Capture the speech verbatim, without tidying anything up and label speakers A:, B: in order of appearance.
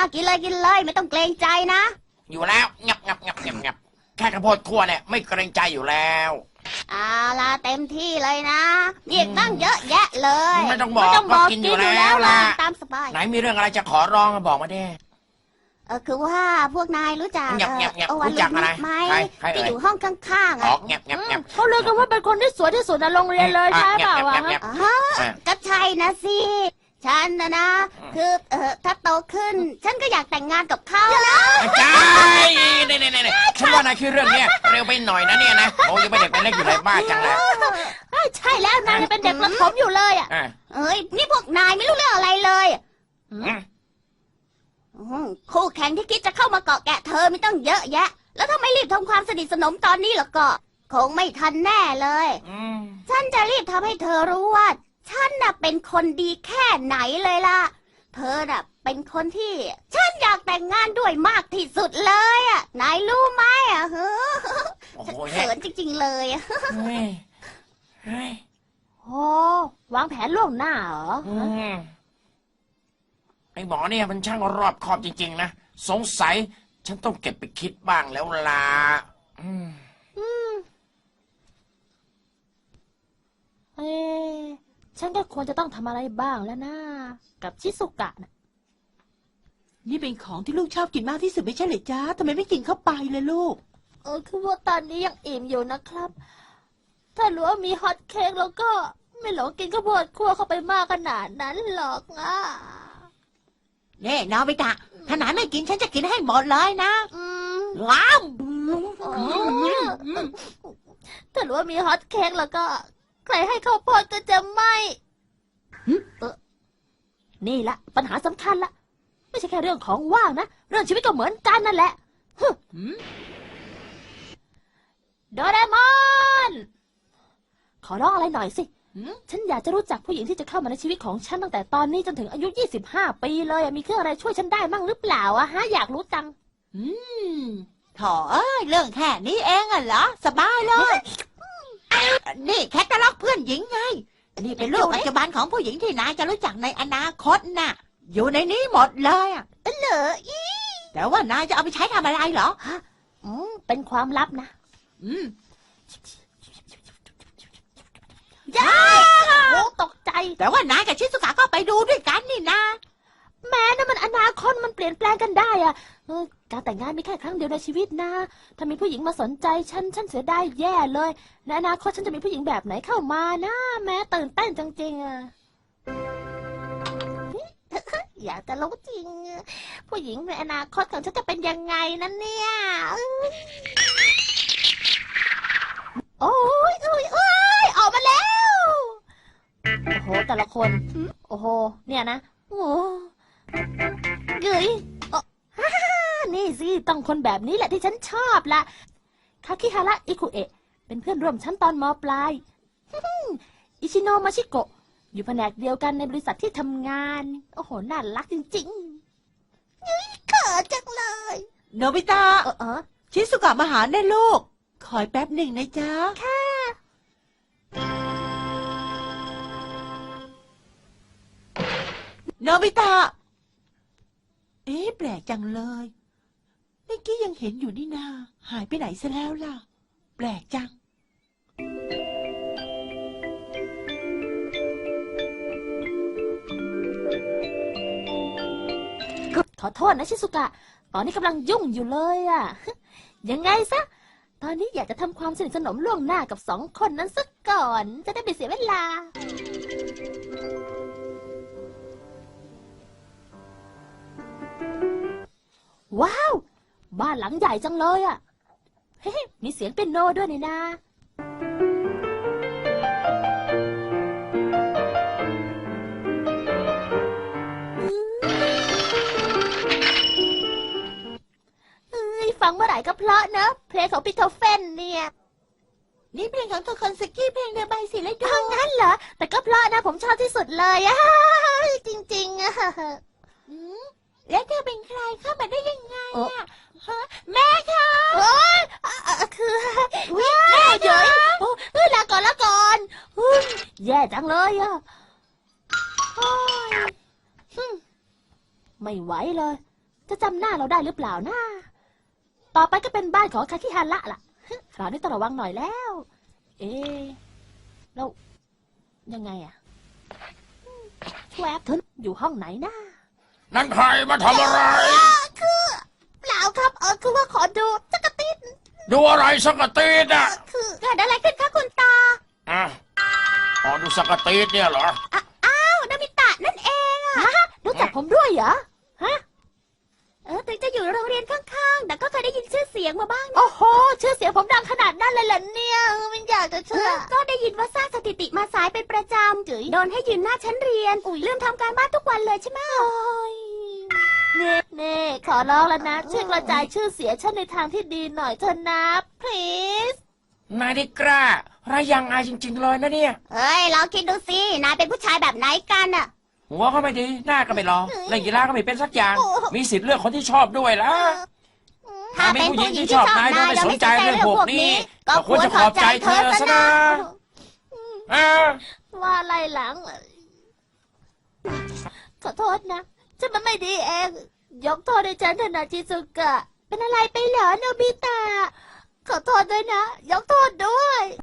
A: กินเลยกินเลยไม่ต้องเกรงใจนะ
B: อยู่แล้วงับงับงับงับงับแค่ข้าวโพดคั่วเนี่ยไม่เกรงใจอยู่แล้ว
A: เอาล่ะเต็มที่เลยนะมีอีกตั้งเยอะแยะเลย
B: ไม่ต้องบอกก็กินอยู่แล้วล่ะ
A: ตามสบาย
B: ไหนมีเรื่องอะไรจะขอร้องบอกมาดิ
A: เออคือว่าพวกนายรู้จัก
B: เออรู้จักอะไร
A: ไหมที่อยู่ห้องข้างๆอ่ะ
C: เขาเรียกกันว่าเป็นคนที่สวยที่สุดในโรงเรียนเลยใช่เปล่าวะ
A: ก็ใช่นะสิฉันนะนะคือเออถ้าโตขึ้นฉันก็อยากแต่งงานกับเขา
B: ใช่เนี่ยเนี่ยเนี่ยฉันว่านายคือเรื่องเนี้ยเร็วไปหน่อยนะเนี่ยนะโอ้ยังไม่เด็กเป็นเล็กอยู่เลยบ้าจังเลย
C: ใช่แล้วนายยังเป็นเด็กประถมอยู่เลยอ่ะ
A: เอ้ยนี่พวกนายไม่รู้เรื่องอะไรเลยคู่แข่งที่คิดจะเข้ามาเกาะแกะเธอไม่ต้องเยอะแยะแล้วถ้าไม่รีบทำความสนิทสนมตอนนี้หรอกก็คงไม่ทันแน่เลยฉันจะรีบทำให้เธอรู้ว่าฉันน่ะเป็นคนดีแค่ไหนเลยล่ะเธอน่ะเป็นคนที่ฉันอยากแต่งงานด้วยมากที่สุดเลยอ่ะนายรู้ไหมอ่ะเฮ้อฉันเขินจริงๆเลย
C: โอ้วางแผนล่วงหน้าเหรอ
B: ไอ้หมอเนี่ยมันช่างรอบคอบจริงๆนะสงสัยฉันต้องเก็บไปคิดบ้างแล้วล่ะอืม
C: เอ๊ะฉันก็ควรจะต้องทำอะไรบ้างแล้วนะกับชิสุกะนะ
D: นี่เป็นของที่ลูกชอบกินมากที่สุดไม่ใช่เหรอจ๊ะทำไมไม่กินเข้าไปเลยลูก
C: เออคือว่าตอนนี้ยังอิ่มอยู่นะครับถ้ารู้ว่ามีฮอตเค้กแล้วก็ไม่หลงกินข้าวโพดคั่วเข้าไปมากขนาดนั้นหรอกอ่ะ
D: เน่นาวิตะถ้านายไม่กินฉันจะกินให้หมดเลยนะว้าว
C: ถ้ารู้ว่ามีฮอตเค้กแล้วก็ใครให้ข้าวโพดก็จะไม่นี่ละปัญหาสำคัญละไม่ใช่แค่เรื่องของว่างนะเรื่องชีวิตก็เหมือนกันนั่นแหละโดเรมอนขอร้องอะไรหน่อยสิฉันอยากจะรู้จักผู้หญิงที่จะเข้ามาในชีวิตของฉันตั้งแต่ตอนนี้จนถึงอายุยี่สิบห้าปีเลยมีเครื่องอะไรช่วยฉันได้มั่งหรือเปล่าอะฮะอยากรู้จัง
D: อืมโถ่เอ้ยเรื่องแค่นี้เองอ่ะเหรอสบายเลยนี่แคตตาล็อกเพื่อนหญิงไงนี่เป็นรูปปัจจุบันของผู้หญิงที่นายจะรู้จักในอนาคตน่ะอยู่ในนี้หมดเลยอ่ะ
A: เหรออี
D: แต่ว่านายจะเอาไปใช้ทำอะไรเหรอ
C: ฮะอืมเป็นความลับนะ
D: อืม
C: ย่าโอ้ตกใจ
D: แต่ว่านายกับชิสุกะก็ไปดูด้วยกันนี่นะ
C: แม้นะมันอนาคตมันเปลี่ยนแปลงกันได้อะการแต่งงานมีแค่ครั้งเดียวในชีวิตนะถ้ามีผู้หญิงมาสนใจฉันฉันเสียดายแย่เลยในอนาคตฉันจะมีผู้หญิงแบบไหนเข้ามานะแม้ตื่นเต้นจริงๆอะอยากจะรู้จริงผู้หญิงในอนาคตของฉันจะเป็นยังไงนั่นเนี่ยโอ้ยโอ้ยโอ้ยออกมาแล้วโอ้โหแต่ละคนโอ้โหเนี่ยนะโอ้เกยนี่สิต้องคนแบบนี้แหละที่ฉันชอบละคาคิฮาระอิคุเอะเป็นเพื่อนร่วมชั้นตอนม.ปลายอิชิโนะมาชิโกะอยู่แผนกเดียวกันในบริษัทที่ทำงานโอ้โหน่ารักจริงๆ
A: นี่เขินจังเลย
D: โนบิตะ
C: เออเออ
D: ชิสุกะมาหาแน่ลูกคอยแป๊บหนึ่งนะจ๊ะ
C: ค่ะ
D: โนบิตะเอ๊ะแปลกจังเลยเมื่อกี้ยังเห็นอยู่นี่นาหายไปไหนซะแล้วล่ะแปลกจัง
C: ขอโทษนะชิสุกะตอนนี้กำลังยุ่งอยู่เลยอะยังไงซะตอนนี้อยากจะทำความสนิทสนมล่วงหน้ากับสองคนนั้นซะก่อนจะได้ไม่เสียเวลาว้าวบ้านหลังใหญ่จังเลยอ่ะเฮ้มีเสียงเปียโนด้วยนี่นะฟังเมื่อไหร่ก็เพราะเนอะเพลงของปิโทเฟนเนี่ย
D: นี่เพลงของโทคอนสกี้เพลงเดบายสิเลยดู
C: งั้นเหรอแต่ก็เพราะนะผมชอบที่สุดเลยอะจริงๆอะ
D: แล้วเธอเป็นใครเข้ามาได้ยังไงอะแม่คะ
C: โอ้ยคือแม่เยอะเฮ้ยลาก่อนลาก่อนแย่จังเลยอะไม่ไหวเลยจะจำหน้าเราได้หรือเปล่านะต่อไปก็เป็นบ้านของคาคิฮาระล่ะคราวนี้ต้องระวังหน่อยแล้ว เอ๊ะแล้วยังไงอะแวบเธออยู่ห้องไหนนะ
B: นั่นใครมาทำอะไร
A: คือเปล่าครับเออคือว่าขอดูจักรติด
B: ดูอะไรสักกะตีดอ่ะ
A: คือเกิดอะไรขึ้นคะคุณตา
B: อ่ะอ๋อดูสักกะตีดเนี่ยเหรอ
A: อ้าอ้าวนามิตะนั่นเองอะ
C: ฮะรู้จักผมด้วยเหรอฮะ
A: เออถึงจะอยู่โรงเรียนข้างๆ แต่ก็เคยได้ยินชื่อเสียงมาบ้างนะ
C: โอ้โหชื่อเสียงผมดังขนาดนั้นเลยเหรอเนี่ยเออมันอยากจะ
A: เอ
C: เชื่อ
A: อก็ได้ยินว่าสร้างสถิติมาสายเป็นประจำจุ๋ยโดนให้ยืนหน้าชั้นเรียนลืมทำการบ้านทุกวันเลยใช่ไหม
C: เน่เน่ขอร้องแล้วนะช่วยกระจายชื่อเสียงฉันในทางที่ดีหน่อยเถอะนะ please
B: นายได้กล้าระยังอายจริง ๆ เลยนะเนี่ย
A: เฮ้ยลองคิดดูสินายเป็นผู้ชายแบบไหนกันอะ
B: หัวก็ไม่ดีหน้าก็ไม่รอเล่นกีฬาก็ไม่เป็นสักอย่าง มีสิทธิ์เลือกคนที่ชอบด้วยล่ะ
A: ถ้าเป็นผู้หญิงที่ชอบนายแล้วไม่สนใจเรื่องพวกนี้ ก็ควรจะขอบใจเธอซะนะ
B: อ่า
C: ว่าอะไรหลัง ขอโทษนะฉันมันไม่ดีเอง ยกโทษให้ฉันเถอะนะชิซุกะ เป็นอะไรไปเหรอโนบิตะ ขอโทษด้วยนะ ยกโทษด้วย